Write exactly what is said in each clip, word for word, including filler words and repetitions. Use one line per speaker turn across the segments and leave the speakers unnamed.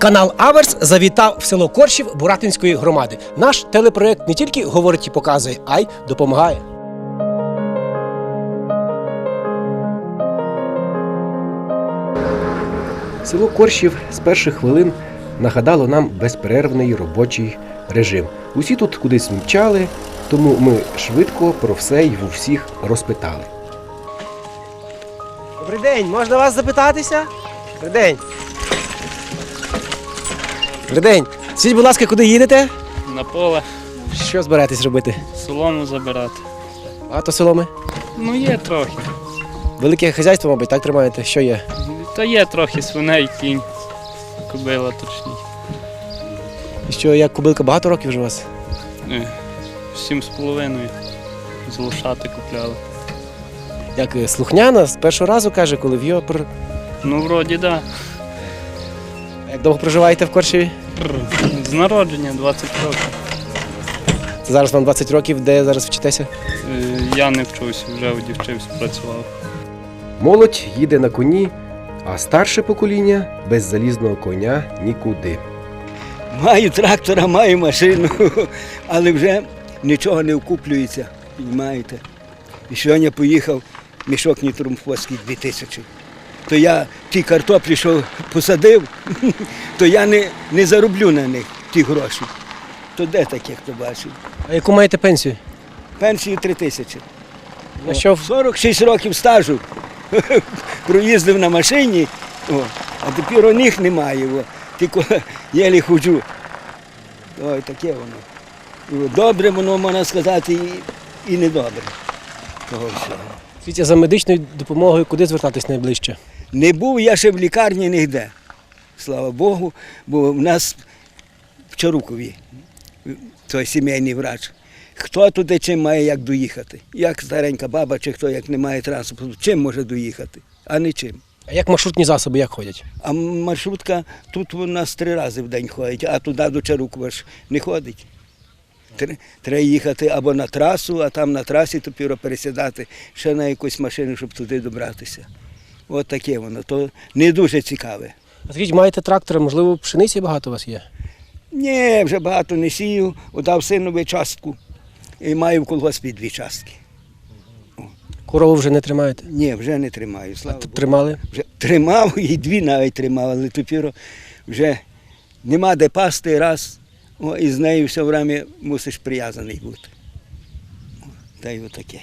Канал Аверс завітав в село Коршів Буратинської громади. Наш телепроект не тільки говорить і показує, а й допомагає. Село Коршів з перших хвилин нагадало нам безперервний робочий режим. Усі тут кудись мчали, тому ми швидко про все й у всіх розпитали. Добрий день, можна вас запитатися? Добрий день. Добрий день. Скажіть, будь ласка, куди їдете?
На поле.
Що збираєтесь робити?
Солому забирати.
Багато соломи?
Ну є трохи.
Велике хазяйство, мабуть, так тримаєте? Що є?
Та є трохи свиней, кінь, кобила точніше.
І що, як кобилка, багато років вже у вас?
Е, Сім з половиною. З лошати купляли.
Як е, слухняна, з першого разу, каже, коли в Йопр.
Ну, вроді, так.
Як довго проживаєте в Коршеві?
Да. З народження двадцять років.
Це зараз вам двадцять років, де зараз вчитеся?
Е, Я не вчусь, вже одівчився, працював.
Молодь їде на коні, а старше покоління без залізного коня нікуди.
Маю трактора, маю машину, але вже нічого не окуплюється, розумієте. І сьогодні поїхав мішок нітрумфоський дві тисячі. То я ті картоплі, що посадив, то я не, не зароблю на них ті гроші. То де таке, хто бачив?
А яку маєте пенсію?
Пенсію три тисячі.
А що?
сорок шість років стажу. Проїздив на машині, о, а тепер у них немає, о, тільки єлі ходжу. Ой, таке воно. Добре воно, можна сказати, і, і недобре. Того всього.
Скажіть, за медичною допомогою куди звертатись найближче?
Не був я ще в лікарні ніде, слава Богу, бо в нас в Чарукові той сімейний врач. Хто туди чим має як доїхати? Як старенька баба чи хто як не має транспорту, чим може доїхати, а не чим.
А як маршрутні засоби, як ходять?
А маршрутка тут у нас три рази в день ходить, а туди до Чарукова ж не ходить. Треба їхати або на трасу, а там на трасі тепер пересідати ще на якусь машину, щоб туди добратися. От таке воно, то не дуже цікаве.
А скажіть, маєте трактора, можливо, пшениці багато у вас є?
Ні, вже багато не сію, дав синові частку і маю в колгоспі дві частки.
Корову вже не тримаєте?
Ні, вже не тримаю, слава Богу.
Тримали?
Вже тримав і дві навіть тримав, але тепер вже нема де пасти раз, о, і з нею все время мусиш прив'язаний бути. Та й отаке.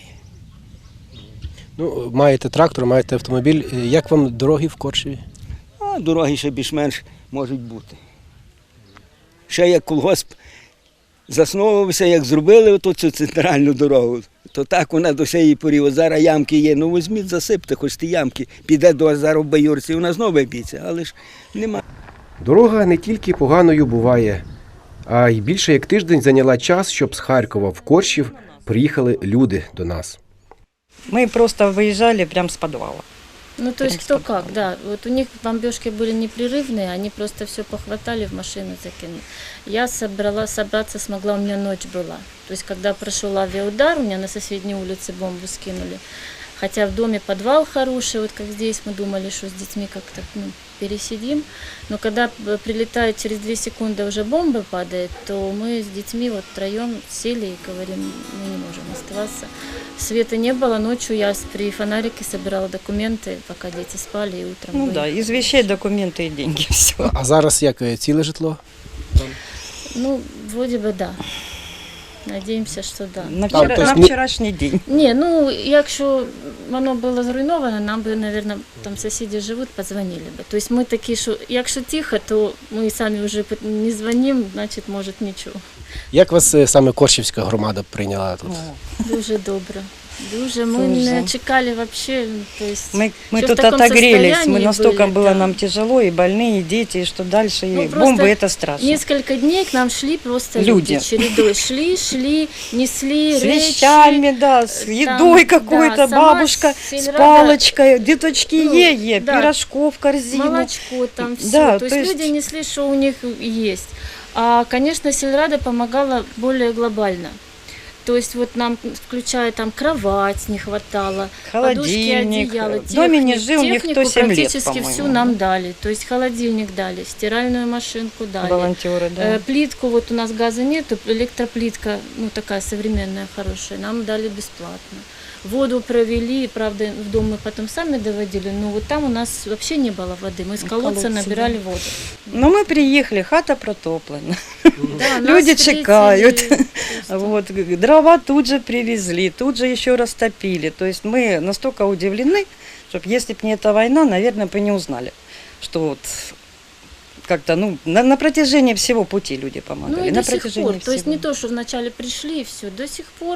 Ну, маєте трактор, маєте автомобіль. Як вам дороги в Коршеві?
А дороги ще більш-менш можуть бути. Ще як колгосп засновувався, як зробили оту цю центральну дорогу, то так вона до сієї порі. От зараз ямки є, ну візьміть, засипте, хоч ті ямки, піде до зараз в Баюрці, вона знову виб'ється, але ж нема.
Дорога не тільки поганою буває, а й більше як тиждень зайняла час, щоб з Харкова в Коршів приїхали люди до нас.
Мы просто выезжали прямо с подвала.
Ну, то есть кто как, да. Вот у них бомбежки были непрерывные, они просто все похватали, в машину закинули. Я собрала, собраться смогла, у меня ночь была. То есть, когда прошел авиаудар, у меня на соседней улице бомбу скинули. Хотя в доме подвал хороший, вот как здесь, мы думали, что с детьми как-то ну, пересидим. Но когда прилетает через две секунды уже бомба падает, то мы с детьми вот втроем сели и говорим, мы не можем оставаться. Света не было, ночью я при фонарике собирала документы, пока дети спали, и утром
Ну
были.
да, из вещей документы и деньги, все.
А зараз як, ціле житло?
Ну, вроде бы да. Надеемся, что да.
На,
Там,
вчера,
то есть
на
не-
вчорашній день.
Не, ну, якщо воно було зруйновано, нам би, мабуть, там сусіди живуть, подзвонили би. Тобто ми такі, що якщо тихо, то ми самі вже не дзвонимо, значить, може, нічого.
Як вас е, саме Коршівська громада прийняла тут?
Дуже добре. Дуже. Ми
Дуже.
не чекали взагалі. То есть,
Мы, мы
что в
тут
таком
отогрелись, мы
состоянии
настолько
были,
было
да.
нам тяжело, и больные, и дети, и что дальше,
Ну,
и
просто
бомбы это страшно.
Несколько дней к нам шли просто люди,
Люди.
чередой. Шли, шли, несли
С
речи.
вещами, да, с
там,
едой какой-то,
да, сама
бабушка с
сельрада-
палочкой, деточки
Ну,
е-е,
да.
пирожков, корзину.
Молочко там все.
Да,
то,
то
есть,
есть-
люди несли, что у них есть. А, конечно, сельрада помогала более глобально. То есть вот нам, включая там кровать не хватало,
Холодильник.
подушки, одеяло,
В доме не
техни-
жил никто
технику
семь лет,
практически
по-моему.
всю нам дали. То есть холодильник дали, стиральную машинку дали.
Волонтеры, да.
Э, Плитку, вот у нас газа нет, электроплитка, ну такая современная, хорошая, нам дали бесплатно. Воду провели, правда, в дом мы потом сами доводили, но вот там у нас вообще не было воды, мы с колодца
колодца,
набирали
да.
воду.
Но мы приехали, хата протоплена.
Да, нас
Люди
встретили
чекают.
просто.
Вот, дрова тут же привезли, тут же еще растопили. То есть мы настолько удивлены, что если бы не эта война, наверное, бы не узнали, что вот как-то, ну, на, на протяжении всего пути люди помогали.
Ну и
на
до сих
протяжении
пор, то есть
всего.
не то, что вначале пришли и все, до сих пор.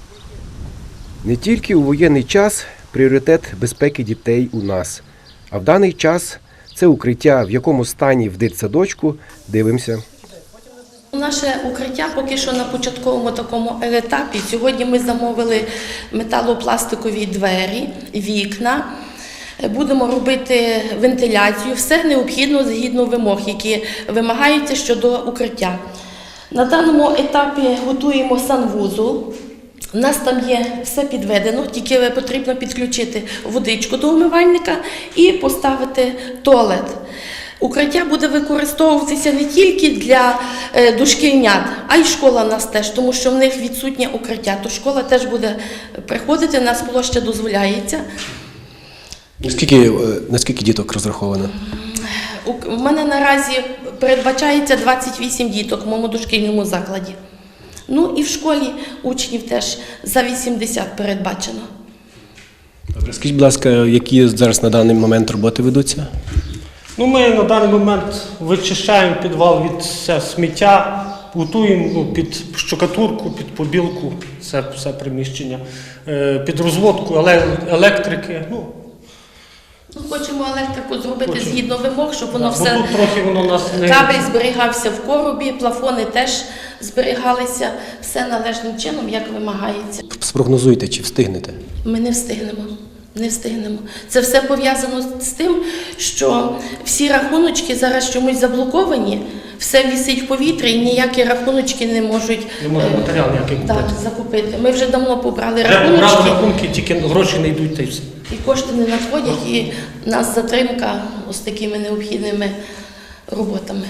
Не тільки у воєнний час пріоритет безпеки дітей у нас, а в даний час це укриття, в якому стані в дитсадочку, дивимося.
Наше укриття поки що на початковому такому етапі. Сьогодні ми замовили металопластикові двері, вікна. Будемо робити вентиляцію. Все необхідно згідно вимог, які вимагаються щодо укриття. На даному етапі готуємо санвузол. У нас там є все підведено, тільки потрібно підключити водичку до умивальника і поставити туалет. Укриття буде використовуватися не тільки для е, дошкільнят, а й школа в нас теж, тому що в них відсутнє укриття. То школа теж буде приходити, у нас площа дозволяється.
Наскільки, наскільки діток розраховано?
У в мене наразі передбачається двадцять вісім діток в моєму дошкільному закладі. Ну і в школі учнів теж за вісімдесят передбачено.
Добре, скажіть, будь ласка, які зараз на даний момент роботи ведуться?
Ну, ми на даний момент вичищаємо підвал від все сміття, готуємо ну, під штукатурку, під побілку, це все приміщення, е, під розводку еле- електрики. Ну,
Ну, хочемо електрику зробити
Хочемо.
згідно вимог, щоб воно
да, бо
все...
тут трохи воно нас не...
Кабель зберігався в коробі, плафони теж зберігалися, все належним чином, як вимагається.
Спрогнозуйте, чи встигнете?
Ми не встигнемо. Не встигнемо. Це все пов'язано з тим, що всі рахуночки зараз чомусь заблоковані, все висить в повітрі і ніякі рахуночки не можуть
Не може
е,
матеріал ніякий
да,
купити.
закупити. Ми вже давно побрали
Треба брати
рахуночки
рахунки, тільки гроші не йдуть та й все.
і кошти не надходять, і в нас затримка ось такими необхідними роботами.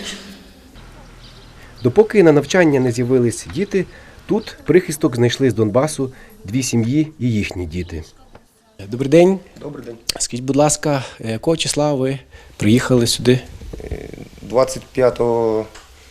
Допоки на навчання не з'явились діти, тут прихисток знайшли з Донбасу дві сім'ї і їхні діти. Добрий день.
Добрий день.
Скажіть, будь ласка, якого числа ви приїхали сюди?
двадцять п'ятого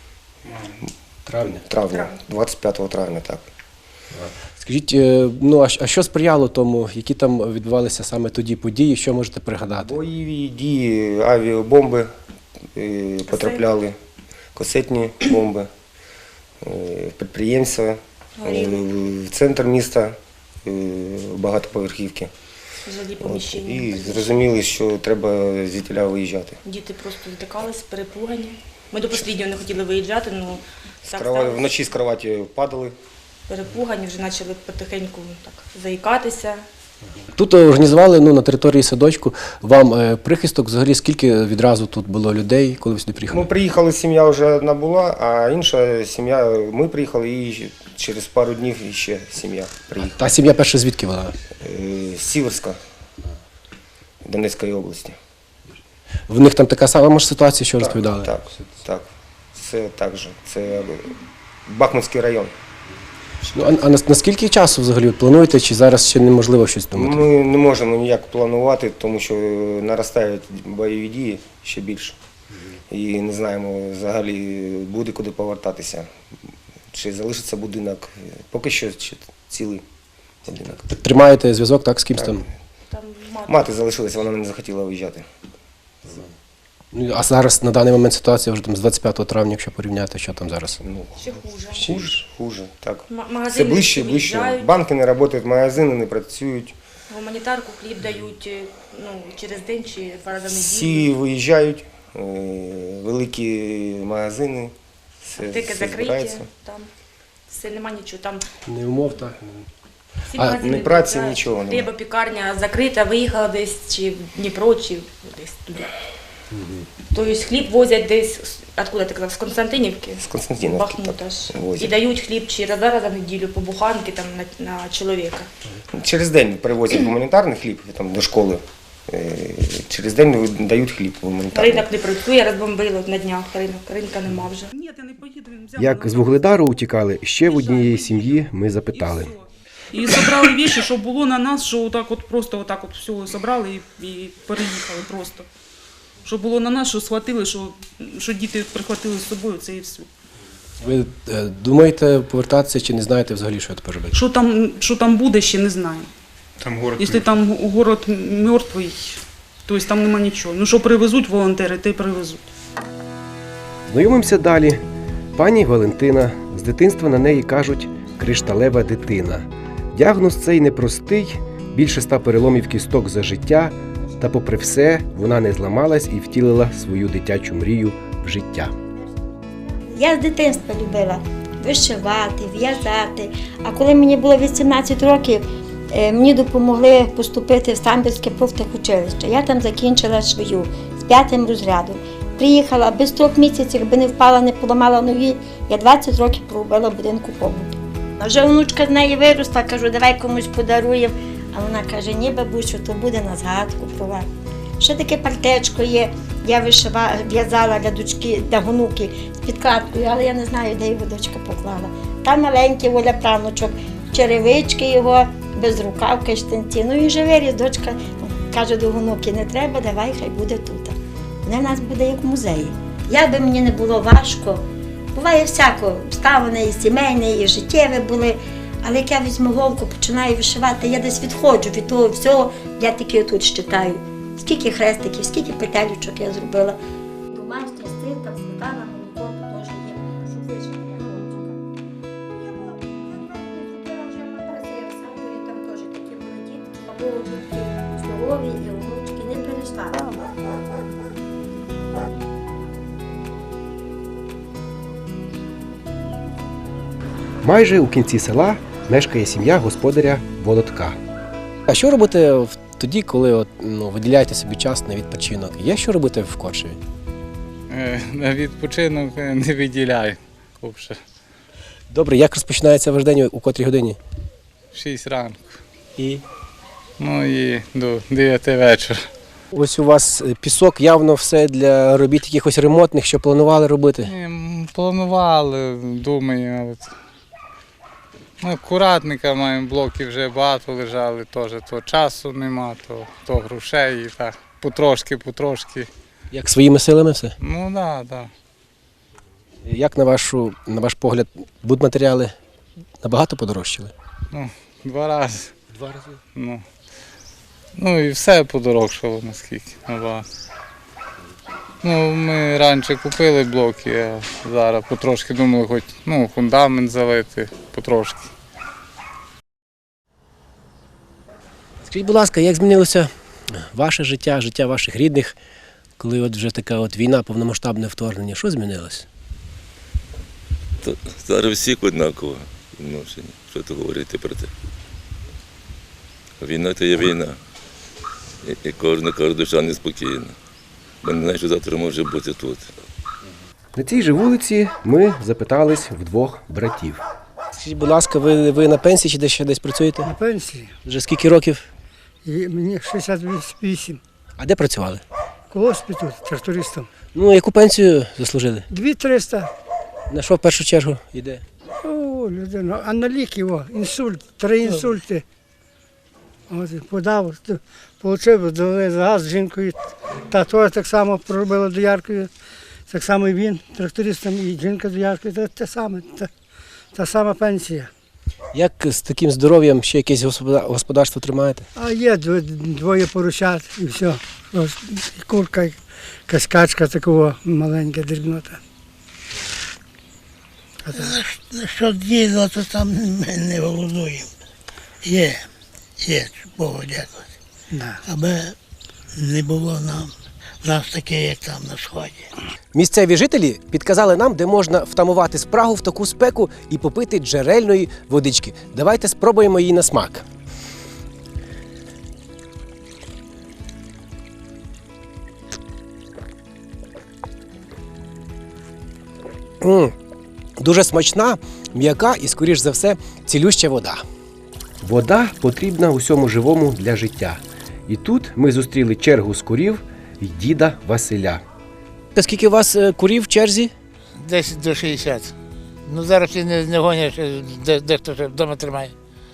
Травня.
травня. двадцять п'ятого травня, так.
Скажіть, е, ну а щ- а що сприяло тому, які там відбувалися саме тоді події, що можете пригадати?
Бойові дії, авіабомби е, потрапляли, касетні бомби, е, підприємства, е, в центр міста, е, багатоповерхівки.
Жилі
От,
поміщення.
і зрозуміли, що треба звідтіля виїжджати.
Діти просто здикались, перепугані. Ми до останнього не хотіли виїжджати, але
З
так
крова-
сталося.
Вночі з кроваті падали.
Перепугані, вже почали потихеньку так заїкатися.
Тут організували ну, на території садочку вам е, прихисток. Взагалі, скільки відразу тут було людей, коли ви сюди приїхали?
Ми приїхали, сім'я вже одна була, а інша сім'я, ми приїхали і через пару днів ще сім'я приїхала.
Та сім'я перша звідки вона?
Е, з Сіверська, Донецької області.
В них там така сама може ситуація, що розповідали?
Так, так. Це так же. Це Бахмутський район.
Ну, а, а нас- наскільки часу взагалі от плануєте, чи зараз ще неможливо щось думати?
Ми не можемо ніяк планувати, тому що наростають бойові дії ще більше. І не знаємо взагалі, буде куди повертатися. Чи залишиться будинок. Поки що ще цілий будинок.
Тримаєте зв'язок так з кимсь
Так.
там?
Там мати.
Мати залишилася, вона не захотіла виїжджати.
Ну, а зараз на даний момент ситуація вже там з двадцять п'ятого травня, якщо порівняти, що там зараз?
Ну,
Ще хуже.
хуже, хуже, так.
М-
Все
Магазини
ближче і ближче.
виїжджають,
Банки не працюють, магазини не працюють.
гуманітарку хліб дають е, ну, через день чи два рази в неділю.
Всі виїжджають, е, великі магазини, все,
Аптеки
все
закриті,
збирається.
там все, нема нічого. Там
Не умов, так.
всі
А,
магазини
ні праці,
виїжджають.
нічого нема.
Хлібопікарня закрита, виїхала десь чи в Дніпро, чи десь туди. Тобто хліб возять десь, з- откуда ти казав, з Константинівки?
З Константинівки
Бахмута ж.
так, возять.
І дають хліб чи раз раз на неділю по буханки там, на, на чоловіка.
Через день привозять гуманітарний хліб там, до школи. Е, Через день дають хліб гуманітарний.
Ринок не працює, розбомбили на днях ринок, ринка нема вже.
Ні, я не поїду, він взяв.
Як з Вугледару утікали, ще в однієї сім'ї ми запитали.
І зібрали віші, що було на нас, що отак от просто отак от все зібрали і, і переїхали просто. Що було на нас, що схватили, що, що діти прихватили з собою, це і все.
Ви думаєте повертатися чи не знаєте взагалі, що тепер робити?
Що там, що там буде, ще не знаю.
Там город.
Якщо там город мертвий, то там нема нічого. Ну що привезуть волонтери, те й привезуть.
Знайомимося далі. Пані Валентина. З дитинства на неї кажуть «кришталева дитина». Діагноз цей непростий, більше ста переломів кісток за життя, та попри все вона не зламалась і втілила свою дитячу мрію в життя.
Я з дитинства любила вишивати, в'язати. А коли мені було вісімнадцять років, е, мені допомогли поступити в Самбірське профтехучилище. Я там закінчила швію з п'ятим розрядом. Приїхала без трьох місяців, якби не впала, не поламала ноги, я двадцять років проробила в будинку побуту. А вже онучка з неї виросла, кажу, давай комусь подаруємо. А вона каже, ні, бабусю, то буде на згадку про вас. Ще таке партечко є, я вишивала, в'язала для дочки, для онуки з підкладкою, але я не знаю, де його дочка поклала. Там маленький Оля правнучок, черевички його, безрукавки, штанці. Ну він же виріс, дочка каже до онуки, не треба, давай, хай буде тут. Вона в нас буде як в музеї. Як би мені не було важко, буває всяко, обставини і сімейні, і життєві були, але як я візьму голку, починаю вишивати, я десь відходжу від того всього, я тільки отут щитаю. Скільки хрестиків, скільки петелючок я зробила. Домашня стирка, сметана, молоко, тут теж є, щоб вишити для хлопчика. Я була, я вже матрасила в садові, там теж такі були дітки, або дітки здорові, і онучки не перейшла.
Майже у кінці села мешкає сім'я господаря Володка. А що робити в- тоді, коли от, ну, виділяєте собі час на відпочинок? Є що робити в Корчеві?
Е, На відпочинок е, не виділяю. Взагалі.
Добре, як розпочинається ваш день, у котрій годині?
В шість ранку.
І?
Ну і до дев'яти вечора.
Ось у вас е, пісок, явно все для робіт якихось ремонтних, що планували робити.
Ем, Планували, думаю, але т- ну, акуратника маємо, блоки вже багато лежали, теж то часу нема, то, то грошей і так. Потрошки, потрошки.
Як своїми силами все?
Ну так, да, так. Да.
Як на вашу, на ваш погляд, будматеріали набагато подорожчали?
Ну, два рази.
Два рази.
Ну, ну і все подорожчало наскільки набагато. Ну, ми раніше купили блоки, а зараз потрошки думали, хоч ну, фундамент залити, потрошки.
Скажіть, будь ласка, як змінилося ваше життя, життя ваших рідних, коли от вже така от війна, повномасштабне вторгнення? Що змінилось?
То зараз всіх однаково відношення. Що то говорити про це? Війна то є війна. І, і кожна, кожна душа неспокійна. Бо не знаю, що завтра може бути тут.
На цій же вулиці ми запитались в двох братів. Скажіть, будь ласка, ви, ви на пенсії чи десь ще десь працюєте?
На пенсії.
Вже скільки років?
І мені шістдесят вісім.
А де працювали?
Колоспі тут, трактористом.
Ну, яку пенсію заслужили?
Дві триста.
На що в першу чергу йде?
О, людина. А на ліки, о, інсульт, три інсульти. От, подав, отримав, довели газ з жінкою. Та теж так само проробила дояркою. Так само і він, трактористом, і жінка дояркою. Це те саме, та, та сама пенсія.
Як з таким здоров'ям ще якесь господа- господарство тримаєте?
А є дво- двоє поросят і все. Ось, і курка, і якась качка такого маленька, дрібнота.
Що діло, то там ми не голодуємо. Є, є, Богу дякувати.
Да.
Аби не було нам, нас таке, як там на сході.
Місцеві жителі підказали нам, де можна втамувати спрагу в таку спеку і попити джерельної водички. Давайте спробуємо її на смак. М, Дуже смачна, м'яка і, скоріш за все, цілюща вода. Вода потрібна усьому живому для життя. І тут ми зустріли чергу з курів і діда Василя. Скільки у вас е, курів в черзі?
Десь до шістдесят. Ну зараз всі не, не гонять, де, дехто вже вдома тримає.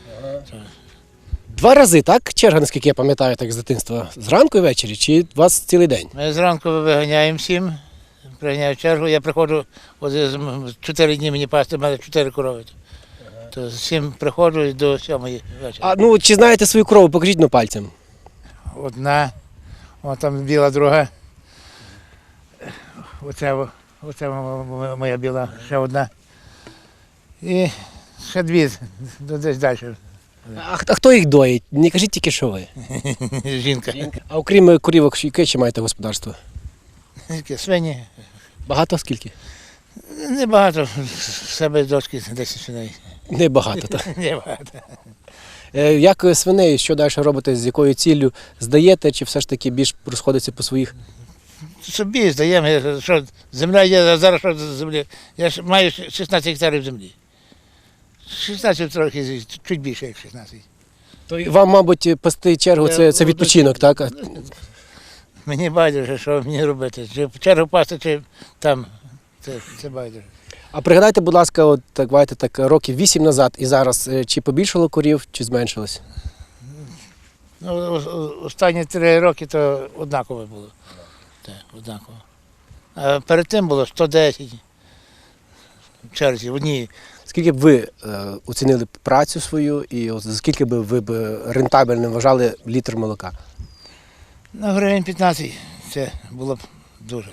Два рази, так? Черга, наскільки я пам'ятаю, так з дитинства. Зранку і ввечері, чи у вас цілий день?
Ми зранку виганяємо всім, приганяю чергу, я приходжу, от з- з- чотири дні мені пасти, в мене чотири корови. То з сім приходжу і до сьомої вечора.
А ну чи знаєте свою корову, покажіть ну, пальцем.
Одна, вон там біла друга. Оце, во- оце мо- мо- моя біла, ще одна. І ще дві, ну, десь далі.
А, х- а хто їх доїть? Не кажіть тільки, що ви.
Жінка.
А окрім е, курівок, яке ще маєте господарство?
Свині.
Багато скільки?
Небагато, в себе дочки десять свиней.
Небагато, так.
Небагато.
Е, Як е, свиней, що далі робите, з якою ціллю? Здаєте, чи все ж таки більш розходиться по своїх?
Собі здаємо, я- що земля є, а зараз що з землі. Я ж маю шістнадцять гектарів землі. шістнадцять трохи, чуть більше, як шістнадцять.
То й вам, мабуть, пасти чергу це, це відпочинок, так? А-
Мені байдуже, що мені робити. Чи в чергу пасти, чи там. Це, це байдуже.
А пригадайте, будь ласка, от так, давайте так, років вісім назад і зараз, е, чи побільшало курів, чи зменшилось?
Ну, о- о- останні три роки то однаково було. Так, однаково. А перед тим було сто десять в черзі, в одній.
Скільки б ви е, оцінили працю свою і от за скільки б ви б рентабельним вважали літр молока?
На гривень п'ятнадцять це було б дуже.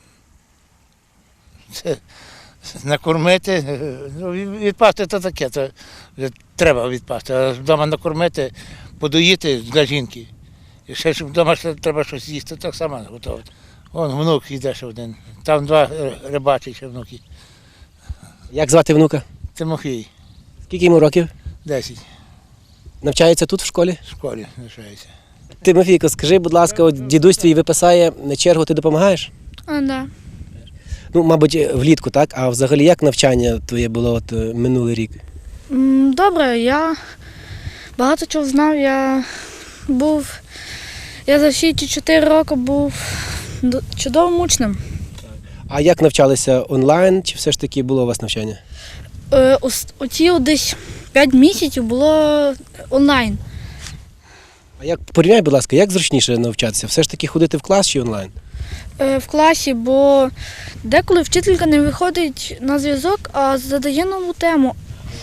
Це накормити, е, ну, від- відпасти то таке, то вже треба відпасти. А вдома накормити, подоїти для жінки. І ще щоб вдома ще треба щось їсти, так само готувати. Вон внук йде ще один. Там два е, рибачі ще внуки.
Як звати внука?
Тимофій,
Скільки йому років?
десять,
Навчається тут в школі?
в школі навчається.
Тимофійко, скажи, будь ласка, от дідусь твій виписає на чергу, ти допомагаєш?
А, да.
Ну, мабуть, влітку, так? А взагалі як навчання твоє було от е, минулий рік?
М, Добре, я багато чого знав. Я був, я за всі ці чотири роки був д- чудовим учнем.
А як навчалися онлайн, чи все ж таки було у вас навчання?
Е, ос- Оці от десь п'ять місяців було онлайн.
А як порівняй, будь ласка, як зручніше навчатися? Все ж таки ходити в клас чи онлайн?
Е, В класі, бо деколи вчителька не виходить на зв'язок, а задає нову тему.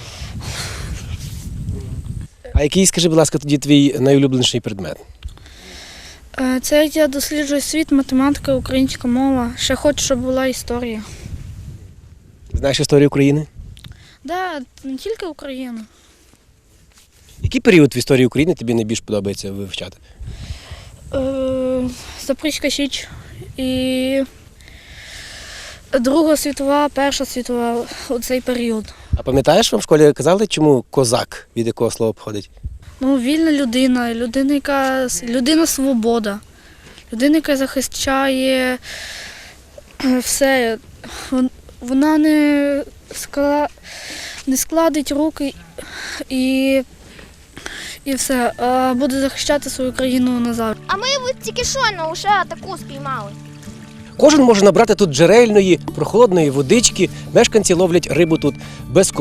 А який, скажи, будь ласка, тоді твій найулюбленіший предмет?
Е, Це як я досліджую світ, математика, українська мова. Ще хочу, щоб була історія.
Знаєш історію України?
Да, не тільки Україна.
Який період в історії України тобі найбільш подобається вивчати?
Е, Запорізька Січ і Друга світова, Перша світова, оцей період.
А пам'ятаєш, вам в школі казали, чому козак, від якого слова походить?
Ну, вільна людина, людина, яка людина свобода, людина, яка захищає е, все. Вон- Вона не, скла... не складить руки і, і все, а буде захищати свою країну назавжди.
А ми от тільки що на уже таку спіймали.
Кожен може набрати тут джерельної, прохолодної водички. Мешканці ловлять рибу тут без